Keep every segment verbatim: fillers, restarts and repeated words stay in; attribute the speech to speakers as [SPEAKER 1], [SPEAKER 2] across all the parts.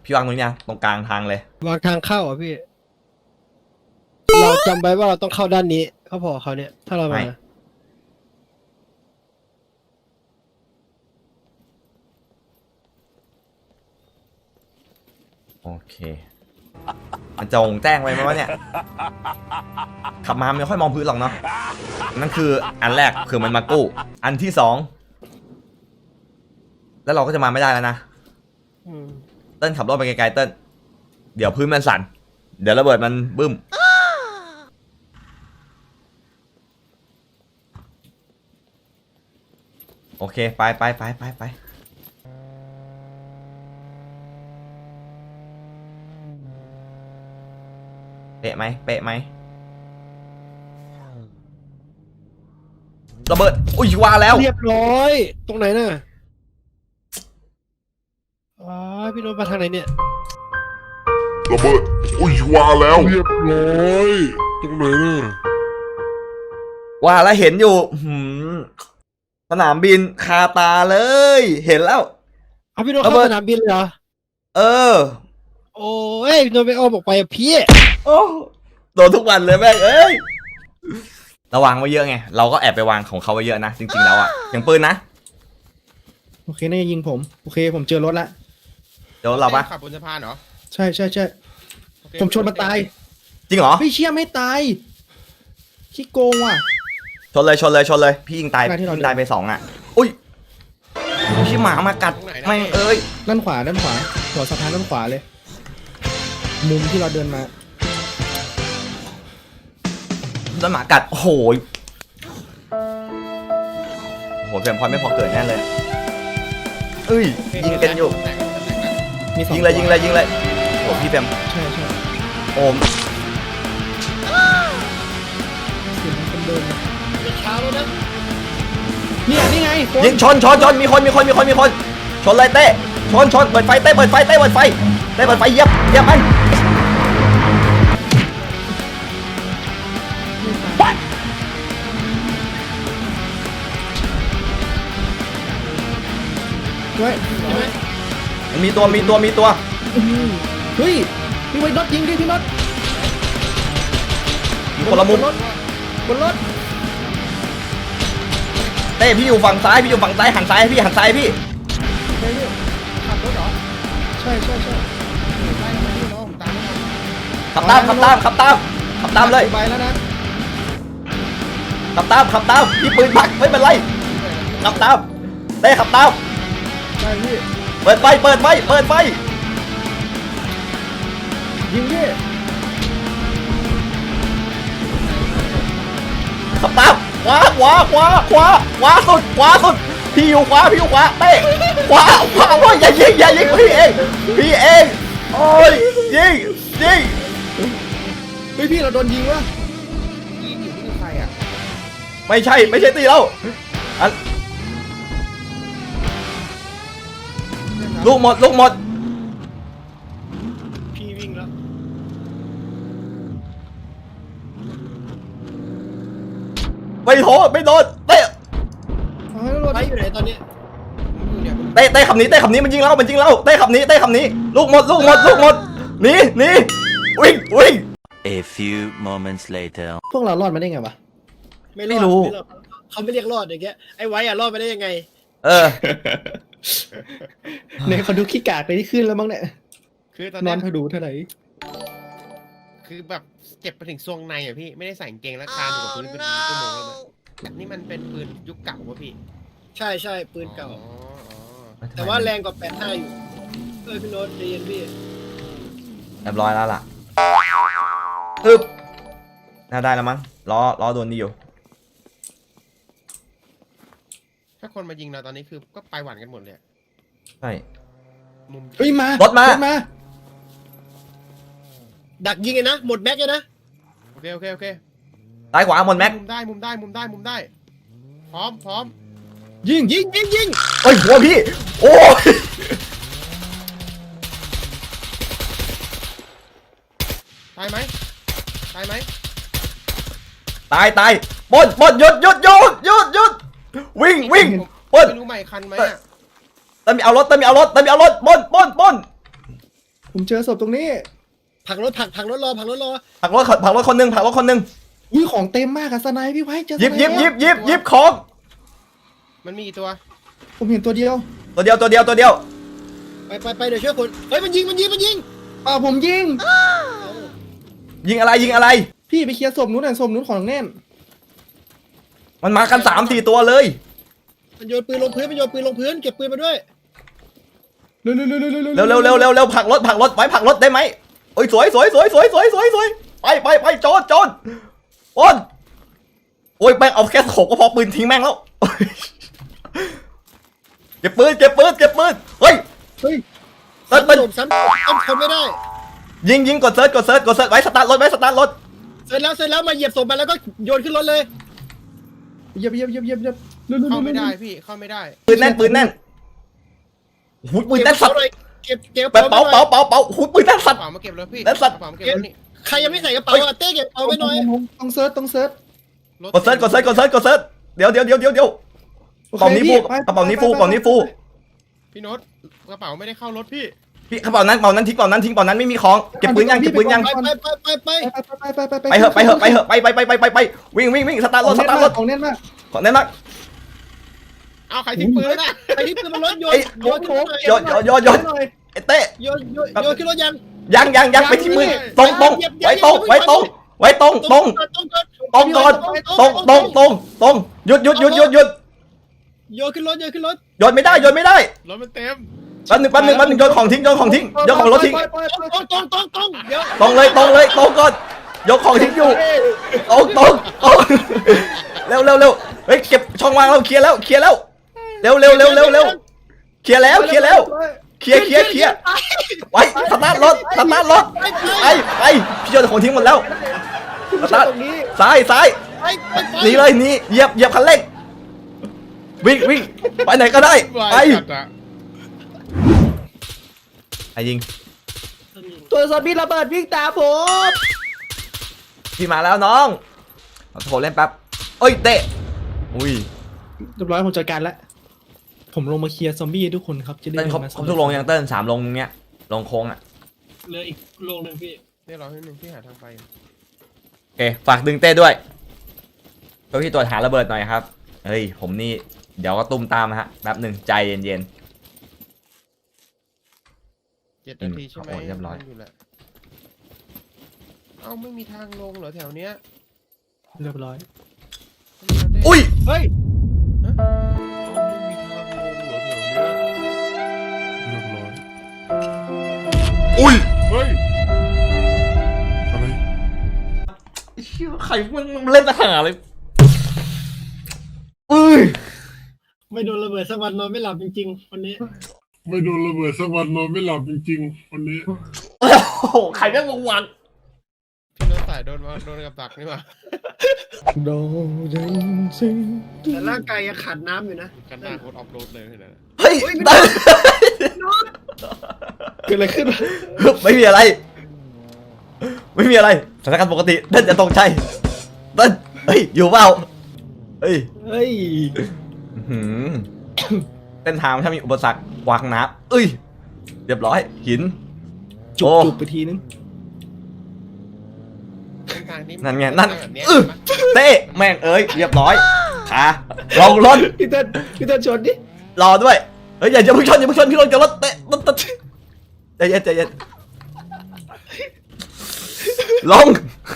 [SPEAKER 1] พี่วางตรงนี้นะตรงกลางทางเลยว
[SPEAKER 2] างทางเข้าอ่ะพี่ เราจำไว้ว่าเราต้องเข้าด้านนี้เขาพอเขาเนี่ย ถ้าเรามา
[SPEAKER 1] โอเคมันจะงแจ้งไว้ไหมวะเนี่ยขับมาไม่ค่อยมองพื้นหรอกเนาะนั่นคืออันแรกคือมันมากู้อันที่สองแล้วเราก็จะมาไม่ได้แล้วนะเติ้ลขับรถไปไกลๆเติ้ลเดี๋ยวพื้นมันสั่นเดี๋ยวระเบิดมันบึ้มโอเคไปไปไปไปไปเป๊ะไหมเป๊ะไหมระเบิดอุ้ยว่าแล้ว
[SPEAKER 2] เรียบร้อย ตรงไหนน่ะอ๋อพี่โน้ตมาทางไหนเนี่ย
[SPEAKER 3] ระเบิดอุ้ยว่าแล้วเรียบร้อยตรงไหนน่ะ
[SPEAKER 1] ว่าแล้วเห็นอยู่หืมสนามบินคาตาเลยเห็นแล้ว
[SPEAKER 2] เอาพี่โน้ตเข้าสนามบินเลยเหรอ
[SPEAKER 1] เออ
[SPEAKER 2] โอ้ยพี่โน้ตไปอ้อมออกไปพี่
[SPEAKER 1] โอ้โดนทุกวันเลยแม่งเอ้ยระวังไว้เยอะไงเราก็แอบไปวางของเขาไว้เยอะนะจริงๆแล้วอ่ะอย่างปืนนะ
[SPEAKER 2] โอเคน่าจะยิงผมโอเคผมเจอรถละ
[SPEAKER 1] เดี๋ยวเราปะ
[SPEAKER 4] ขับบนสะพานเหรอ
[SPEAKER 2] ใช่ใช่ใช่ผมชนมันตาย
[SPEAKER 1] จริงเหรอ
[SPEAKER 2] พี่เชี่ยไม่ตายขี้โกงว่ะ
[SPEAKER 1] ชนเลยชนเลยชนเลยพี่ยิงตายพี่ยิงตายไปสองอ่ะอุ้ยชิหมามากัดไม่เอ้ย
[SPEAKER 2] ด้านขวาด้านขวาหัวสะพานด้านขวาเลยมุมที่เราเดินมา
[SPEAKER 1] โดนหมากัดโอ้โหโอ้โหเฟรมพอยไม่พอเกิดแน่เลยเอ้ยยิงกันอยู่ยิงเลยยิงเลยยิงเลยโอ้พี่เฟรม
[SPEAKER 2] ใช่ใช่
[SPEAKER 1] โอม
[SPEAKER 2] เสียงคนเดินเช้าแล้วนะเนี่ยนี่ไง
[SPEAKER 1] ยิงชนชนชนมีคนมีคนมีคนมีคนชนเลยเต้ชนชนเปิดไฟเต้เปิดไฟเต้เปิดไฟเต้เปิดไฟเยียบเยียบมัน
[SPEAKER 2] ด้วย
[SPEAKER 1] มันมีตัวมีตัวมีตัว
[SPEAKER 2] เฮ้ยพี่ไว้น็อตยิงดิพี่น็อต
[SPEAKER 1] อยู่คนละมุม
[SPEAKER 2] บนรถ
[SPEAKER 1] เต้พี่อยู่ฝั่งซ้ายพี่อยู่ฝั่งซ้ายหันซ้ายพี่หันซ้ายพี่
[SPEAKER 4] ขับรถเหรอ
[SPEAKER 2] ใช่ใช่ใช่
[SPEAKER 1] ขับตามขับตามขับตามขับตามเลย
[SPEAKER 2] ไปแล้วนะ
[SPEAKER 1] ขับตามขับตามพี่ปืนผักไม่เป็นไรขับตามเต้ขับตาม
[SPEAKER 2] ใช่พี่
[SPEAKER 1] เปิดไฟเปิดไฟเปิดไฟ
[SPEAKER 2] ยิงดิ
[SPEAKER 1] ขับตามขวาขวาขวาขวาขวาสุดขวาสุดพี่อยู่ขวาพี่อยู่ขวาเต้ขวาขวาว่าอย่ายิงอย่ายิงพี่เองพี่เองโอ้ยยิงยิง
[SPEAKER 2] เฮ้ยพี่เราโดนยิงวะ
[SPEAKER 4] ยิงอยู่ที่ใครอ่ะ
[SPEAKER 1] ไม่ใช่ไม่ใช่ตีเราอันลูกหมดลูกหมด
[SPEAKER 2] พี่วิ่งแล้ว
[SPEAKER 1] ไม่โถไม่โดนเต้
[SPEAKER 2] ไปอยู่ไหนตอนนี้
[SPEAKER 1] เต้เต้ขับหนีเต้ขับหนีมันยิงเรามันยิงเราเต้ขับหนีเต้ขับหนีลูกหมดลูกหมดลูกหมดหนีหนีวิ่งวิ่ง
[SPEAKER 5] A few moments later
[SPEAKER 2] พวกเรารอดมาได้ไงวะ
[SPEAKER 1] ไม่รู้
[SPEAKER 2] เขาไม่เรียกรอดอย่างเงี้ยไอ้ไว้อะรอดมาได้ยังไง
[SPEAKER 1] เออ
[SPEAKER 2] เนี่ยเขาดูขี้กากไปที่ขึ้นแล้วมั้งเนี่ย
[SPEAKER 4] คือตอน
[SPEAKER 2] น
[SPEAKER 4] นั้
[SPEAKER 2] นเขาดูเท่าไหร่
[SPEAKER 4] คือแบบเจ็บไปถึงซวงในอ่ะพี่ไม่ได้ใส่กางเกงแล้วคานอยู่กับพื้นเป็นชั่วโมงแล้วนะนี่มันเป็นปืนยุคเก่าวะพี่
[SPEAKER 2] ใช่ใช่ปืนเก่าแต่ว่าแรงกว่าแปดห้าอยู่เอ้ยพี่โน้ตเรียนพี่
[SPEAKER 1] เรียบร้อยแล้วล่ะฮึบน่าได้แล้วมั้งล้อล้อโดนดีอยู่
[SPEAKER 4] ถ้าคนมายิงเราตอนนี้คือก็ไปหวั่นกันหมดเลย
[SPEAKER 1] ใช่
[SPEAKER 4] มุม
[SPEAKER 2] เฮ้ยมาร
[SPEAKER 1] ถมารถ
[SPEAKER 2] มาดักยิงไงนะหมดแม็กเลยนะ
[SPEAKER 4] โอเคโอเคโอเค
[SPEAKER 1] ซ้ายขวาหมดแม็ก
[SPEAKER 4] มุมได้มุมได้มุมได้มุมได้พร้อมพร้อม
[SPEAKER 2] ยิงยิงยิงยิง
[SPEAKER 1] เฮ้ยหัวพี่โอ้ย
[SPEAKER 4] ตายไหมตายไหม
[SPEAKER 1] ตายตายบนบนหยุดหยุดหยุดหยุดหยุดวิ่งวิ่งบน
[SPEAKER 4] ไม่รู้ใหม่คันไหม
[SPEAKER 1] เติมเอารถเติมเอารถเติมเอารถบนบนบน
[SPEAKER 6] ผมเจอศพตรงนี้
[SPEAKER 2] ผักรถผักผักรถรอผักรถรอ
[SPEAKER 1] ผลักรถผลักรถคนหนึ่งผลักรถคนหนึ่ง
[SPEAKER 6] อุ้ยของเต็มมากอะสไนพี่ไว้เจอ
[SPEAKER 1] หยิบหยิบหยิบ
[SPEAKER 6] สไน
[SPEAKER 1] หยิบหยิบของ
[SPEAKER 4] มันมีกี่ตัว
[SPEAKER 6] ผมเห็นตัวเดียว
[SPEAKER 1] ตัวเดียวตัวเดียวตัวเดียว
[SPEAKER 2] ไปไปไปเดี๋ยวช่วยคนเฮ้ยมันยิงมันยิงมันยิง
[SPEAKER 6] อ่าผมยิง
[SPEAKER 1] ยิงอะไรยิงอะไร
[SPEAKER 6] พี่ไปเคลียร์ศพนู้นหน่อยศพนู้นของแน่น
[SPEAKER 1] มันมากันสามสี่ตัวเลย
[SPEAKER 2] มันโยนปืนลงพื้นมันโยนปืนลงพื้นเก็บปืนมาด้วย
[SPEAKER 6] เร็วเร็วเร็วเร็วเร็ว
[SPEAKER 1] เร็วเร็วเร็วเร็วเร็วผลักรถผลักรถไว้ผลักรถได้ไหมโอ้ยสวยสวยสวยสวยสวยสวยสวยไปไปไปโจนโจนโอนโอ้ยแม่งเอาแค่โขกก็พอปืนทิ้งแม่งแล้วโอ้ยเก็บปืนเก็บปืนเก็บปืนเฮ้ย
[SPEAKER 6] เฮ้ย
[SPEAKER 1] เซิร์ชปืน
[SPEAKER 2] ซ้ำซ้ำซ้ำคนไม่ได้
[SPEAKER 1] ยิงยิงกดเซิร์ชกดเซิร์ชกดเซิร์ชไว้สตาร์ทรถไว้สตาร์ทรถ
[SPEAKER 2] เสร็จแล้วเสร็จแล้วมาเหยียบศพมันแล้วก็โยนขึ้นรถเลย
[SPEAKER 6] เหยียบเหยียบเหยียบเหยียบเหยียบเร็วเร็ว
[SPEAKER 4] เข้า
[SPEAKER 6] เร็ว
[SPEAKER 4] ไม่
[SPEAKER 6] เร็ว
[SPEAKER 4] ได้พี่เข้าไม่ได้
[SPEAKER 1] ปืนแน่นปืนแน่นหูปืนแน่นสัตว์
[SPEAKER 2] เก็บเก็บ
[SPEAKER 1] เป๋าเป๋าเป๋าเป๋าหูปืนแน่น
[SPEAKER 4] ก
[SPEAKER 1] สั
[SPEAKER 4] ระ
[SPEAKER 1] ตว์
[SPEAKER 4] เป๋ามาเก็บแล้วพี่
[SPEAKER 1] แล้วสัตว์
[SPEAKER 4] กระเป๋ามาเก็บแล้วนี่
[SPEAKER 2] ใครยังไม่ใส่กระเป๋าอะเต้เก็บเอาไว้หน่อย
[SPEAKER 6] ต้องเซิร์ชต้องเซิร์ช
[SPEAKER 4] รถ
[SPEAKER 1] กดเซิร์ชกดเซิร์ชกดเซิร์ชกดเซิร์ชเดี๋ยวเดี๋ยวเดี๋ยวเดี๋ยวเดี๋ยว
[SPEAKER 6] โอเค
[SPEAKER 1] กระเป๋านี้ฟู
[SPEAKER 6] พี่ไป
[SPEAKER 1] กระเป๋านี้ฟู
[SPEAKER 6] ไป
[SPEAKER 1] กระเป๋านี้ฟู
[SPEAKER 4] พี่โน้ตกระเป๋าไม่ได้เข้ารถพี่
[SPEAKER 1] พี่กระเป๋านั้นกระเป๋านั้นทิ้งกระเป๋านั้นทิ้งกระเป๋านั้นไม่มีของเก็บปืนยังเก็บปืนยัง
[SPEAKER 2] ไปไปไปไปไป
[SPEAKER 6] ไปไปไปไป
[SPEAKER 1] ไปเหอะไปเหอะไปเหอะไปไปไปไปไปไปวิ่งวิ่งวิ่งสตาร์ทรถสตาร์ทรถ
[SPEAKER 6] ของแน่นมาก
[SPEAKER 1] ขอแน่นมาก
[SPEAKER 4] เอาใครทิ้งปืนน่ะ
[SPEAKER 2] ไอ้ที่ปืนมันรถโยน
[SPEAKER 1] เอ้ย
[SPEAKER 2] โยนขึ้นรถ
[SPEAKER 1] โยนโยนโยนโยนไอ้เต้
[SPEAKER 2] โยนโยนโยนขึ้นรถยัง
[SPEAKER 1] ยังยังยังไปที่มือตรงตรงไว้ตรงไว้ตรงไว้ตรงตรง
[SPEAKER 2] ตรง
[SPEAKER 1] ตรงก่อนตรงตรงตรงตรงหยุดหยุดหยุดหยุดหยุด
[SPEAKER 2] โยนขึ้นรถโยนขึ้นรถ
[SPEAKER 1] โยนไม่ได้โยนไม่ได้
[SPEAKER 4] รถมันเต็ม
[SPEAKER 1] แป๊บหนึงแป๊บหนึงแป๊บหนึงโยนของทิ้งโยนของทิ้งโยนของรถทิ้ง
[SPEAKER 2] ตรงตรงตรงตรงเดี๋ยว
[SPEAKER 1] ตรงเลยตรงเลยตรงก่อนยกของทิ้งอยู่ตรงตรงตรงเร็วเร็วเร็วเฮ้ยเก็บช่องว่างเราเคลียร์แล้วเคลียร์แล้วเร็วเร็วเร็วเร็วเร็วเคลียร์แล้วเคลียร์แล้วเคลียร์เคลียร์เคลียร์ไว้สตาร์ทรถสตาร์ทรถไปไปพี่โยนของทิ้งหมดแล้วสตาร์ทซ้ายซ้าย
[SPEAKER 2] ไปไป
[SPEAKER 1] หนีเลยหนีเหยียบเหยียบคันเร่งวิ่งวิ่งไปไหนก็ได้ไป
[SPEAKER 4] จัดอะ
[SPEAKER 1] ไอ้ยิง
[SPEAKER 6] ตัวซอมบี้ระเบิดวิ่งตามผม
[SPEAKER 1] พี่มาแล้วน้องเอาโทรเล่นแป๊บเอ้ยเตะอุ้ย
[SPEAKER 6] เรียบร้อยผมจัดการแล้วผมลงมาเคลียร์ซอมบี้ให้ทุกคนครับจะได้
[SPEAKER 1] เต้นครบ
[SPEAKER 6] มา
[SPEAKER 1] ครบทุกลงยังเต้นสามลงเนี้ยลงโค้งอ่ะ
[SPEAKER 2] เหลืออีกโลนึงพี่
[SPEAKER 4] เนี่ยเราให้หนึ่งที่หาทางไป
[SPEAKER 1] โอเคฝากดึงเต้ด้วยเพื่อพี่ตรวจหาระเบิดหน่อยครับเฮ้ยผมนี่เดี๋ยวก็ตุ้มตามฮะแป๊บหนึ่งใจเย็น
[SPEAKER 4] เจ็ดนาทีใช่ไหม
[SPEAKER 1] โอ้ยเรียบร้อย
[SPEAKER 4] อยู่แหละเอ้าไม่มีทางลงเหรอแถวเนี้ย
[SPEAKER 6] เรียบร้อย
[SPEAKER 1] ๆอุ้ย
[SPEAKER 2] เฮ้ย
[SPEAKER 3] อุ้ยเฮ้ยอะไร
[SPEAKER 1] เชี่ยใครมึงมึงเล่นทหารเลยอุ้ย
[SPEAKER 2] ไม่โดนระเบิดสักวันนอนไม่หลับจริงๆวันนี้
[SPEAKER 3] ไม่โดนระเบิดสักวันนอนไม่หลับจริงๆวันนี้
[SPEAKER 1] โอ้โหใครแม่งวาง
[SPEAKER 4] พี่โน้ตสายโดนมาโดนกับดักนี่หว่า
[SPEAKER 6] โดนซิง
[SPEAKER 2] แต่ร่างกายยังขาดน้ำอยู่นะ
[SPEAKER 4] กันหน้าโคตรออฟโรดเลยเห็นไหม
[SPEAKER 1] เฮ้ย
[SPEAKER 6] เกิดอะไรขึ้น
[SPEAKER 1] ไม่มีอะไร ไม่มีอะไรสถานการณ์ปกติเต้นจะตกใจเต้นเฮ้ยอยู่เปล่าเฮ้ย
[SPEAKER 6] เฮ้ย
[SPEAKER 1] อื้อหือเส้นทางถ้ามีอุปสรรควางน้ำเอ้ยเรียบร้อยหิน
[SPEAKER 6] จุบ
[SPEAKER 1] โอ้
[SPEAKER 6] จุบไปทีนึง
[SPEAKER 4] เส้นทางนี้
[SPEAKER 1] นั่นไงนั่น
[SPEAKER 4] แบบเนี้ย
[SPEAKER 1] อื้อเต้แม่งเอ้ยเรียบร้อยขาลงรถ
[SPEAKER 6] พี่เต้นพี่เต้นชนดิ
[SPEAKER 1] รอด้วยเฮ้ยอย่าอย่าเพิ่งชนอย่าเพิ่งชนพี่รถกับรถเตะรถรถใจเย็นใจเย็นลง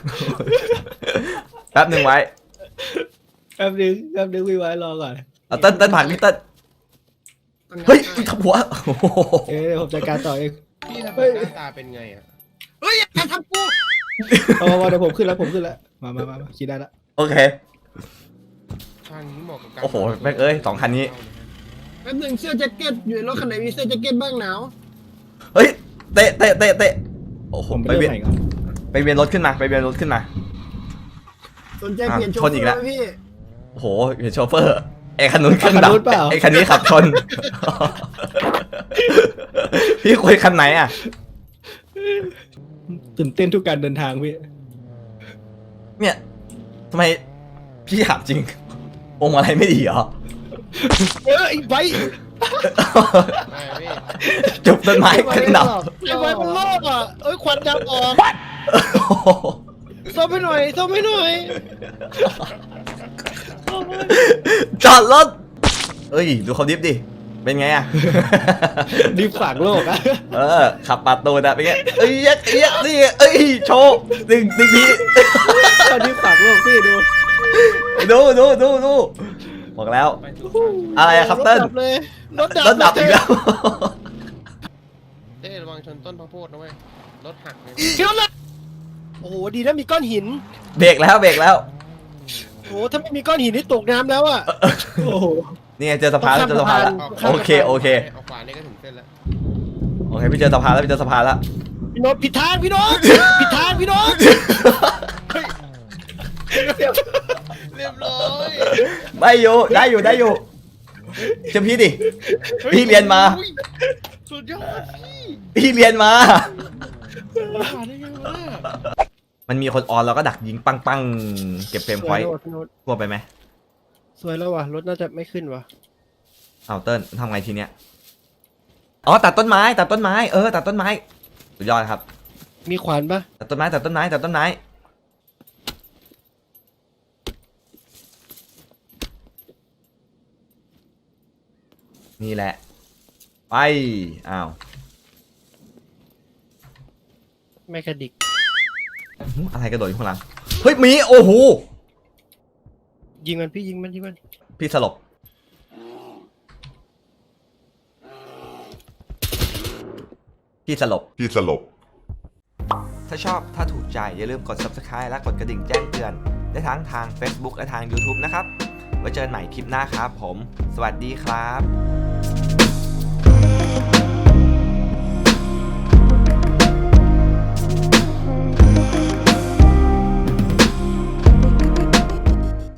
[SPEAKER 1] แป๊บหนึ่งไว้
[SPEAKER 6] แป๊บนึงแป๊บนึงพี่ไว้รอก่อน
[SPEAKER 1] เอาเต้นเต้นผ่านพี่เต้นเฮ้ยอุ๊ยทับหัวโอ้โห
[SPEAKER 6] เอ้ยผมจัดการต่อเอง
[SPEAKER 4] พี่ทำแบบหน้าตาเป็นไงอ่ะ
[SPEAKER 2] เฮ้ยอย่าทำกู
[SPEAKER 6] เอามาเดี๋ยวผมขึ้นแล้วผมขึ้นแล้วมามามามาคิดได้ละ
[SPEAKER 1] โอเค
[SPEAKER 4] ทางนี้เหมาะกับการ
[SPEAKER 1] โอ้โหแม่งเอ้ยสองคันนี้
[SPEAKER 2] แป๊บหนึ่งเสื้อแจ็คเก็ตอยู่ในรถคันไหนมีเสื้อแจ็คเก็ตบ้างหนาว
[SPEAKER 1] เฮ้ยเตะเตะเตะเตะโอ้โห
[SPEAKER 6] ผมไป
[SPEAKER 1] ไป
[SPEAKER 6] เรื่
[SPEAKER 1] เวี
[SPEAKER 6] อย
[SPEAKER 1] น
[SPEAKER 6] งไหนก่อน
[SPEAKER 1] ไปเวียนรถขึ้นมาไปเวียนรถขึ้นมา
[SPEAKER 2] สนใจเปลี่ยนโช
[SPEAKER 1] ช
[SPEAKER 2] ว์
[SPEAKER 1] นอีกแล้ว
[SPEAKER 2] ไหมพี่
[SPEAKER 1] โอ้โหเห็นโชเฟอร์ไอ้คันนู้นเครื่องดับไอ้คันนี้ขับชน พี่คุยคันไหนอ่ะ
[SPEAKER 6] ตื่นเต้นทุกการเดินทางพี่
[SPEAKER 1] เนี่ยทำไมพี่ถามจริงองค์อะไรไม่ดีเหรอ
[SPEAKER 6] เอ้ยไว้
[SPEAKER 4] ไม่พี่
[SPEAKER 1] จุบต้นไม้ขึ้นดับ
[SPEAKER 2] ไอ้ไฟมันลอกอ่ะเอ้ยควันดำออกซ่อมให้หน่อยซ่อมให้หน่อย
[SPEAKER 1] จอดรถเอ้ยดูเขาดิฟดิเป็นไงอะ
[SPEAKER 6] ดิฟฝากโลกอะ
[SPEAKER 1] เออขับปาดตูนอะเป็นไงเอ้ยเอ้ยเอ้ยนี่เอ้ยโชว์หนึ่งหนึ่งที
[SPEAKER 6] ดิฟฝากโลกพี่ดู
[SPEAKER 1] ดูดูดูดูบอกแล้ว
[SPEAKER 4] ไปถูกทาง
[SPEAKER 1] อะไรอะครับเติ้ล
[SPEAKER 2] รถดับเลยรถดับ
[SPEAKER 1] รถดับอีกแล้ว
[SPEAKER 4] เต้ระวังชนต้นพระโพดนะเว้ยรถหักเลย
[SPEAKER 2] เดี๋ยวนะโอ้โหดีนะมีก้อนหิน
[SPEAKER 1] เบรกแล้วเบรกแล้ว
[SPEAKER 2] โอ้โหถ้าไม่มีก้อนหินนี่ตกน้ำแล้วอ่ะ
[SPEAKER 6] โอ้โห
[SPEAKER 1] นี่ไงเจอสะพานแล้วเจอสะพานแล้ว
[SPEAKER 2] ข้าม
[SPEAKER 1] โอ
[SPEAKER 2] สะพาน
[SPEAKER 1] เคโอเค
[SPEAKER 4] เอาขวานี่ก็ถึงเส้นแล้ว
[SPEAKER 1] โอเคพี่เจอสะพานแล้วพี่เจอสะพานแล้ว
[SPEAKER 2] พี่โน้ตผิดทางพี่โน้ตผิดทางพี่โน้ต
[SPEAKER 4] เรียบร้อย
[SPEAKER 1] ไม่อยู่ได้อยู่ได้อยู่เชื่อพี่ดิพี่เรียนมา
[SPEAKER 4] อุ้ยสุดยอดพี่
[SPEAKER 1] พี่เรียนมา
[SPEAKER 4] ผ่านได้ไงวะ
[SPEAKER 1] มันมีคนออนเราก็ดักยิงปังปังเก็บเฟรม
[SPEAKER 2] ส
[SPEAKER 1] พ
[SPEAKER 2] ว
[SPEAKER 1] อย ยต์
[SPEAKER 2] แล้วว่ะพี่โน้ต
[SPEAKER 1] กลัวไปไหม
[SPEAKER 2] สวยแล้วว่ะรถน่าจะไม่ขึ้นว่ะ
[SPEAKER 1] เอาเติ้ลทำไงทีเนี้ยอ๋อตัดต้นไม้ตัดต้นไม้เออตัดต้นไม้สุดยอดครับ
[SPEAKER 2] มีขวานปะ
[SPEAKER 1] ตัดต้นไม้ตัดต้นไม้ตัดต้นไม้นี่แหละไปอ้าว
[SPEAKER 2] ไม่กระดิก
[SPEAKER 1] หึอะไรกระโดดอยู่ข้างหลังเฮ้ยหมีโอ้โห
[SPEAKER 2] ยิงมันพี่ยิงมันยิงมัน
[SPEAKER 1] พี่สลบพี่สลบ
[SPEAKER 3] พี่สลบ
[SPEAKER 1] ถ้าชอบถ้าถูกใจอย่าลืมกด ซับสไครบ์ และกดกระดิ่งแจ้งเตือนได้ทั้งทาง เฟซบุ๊ก และทาง ยูทูบ นะครับไว้เจอกันใหม่คลิปหน้าครับผม สวัสดีครับ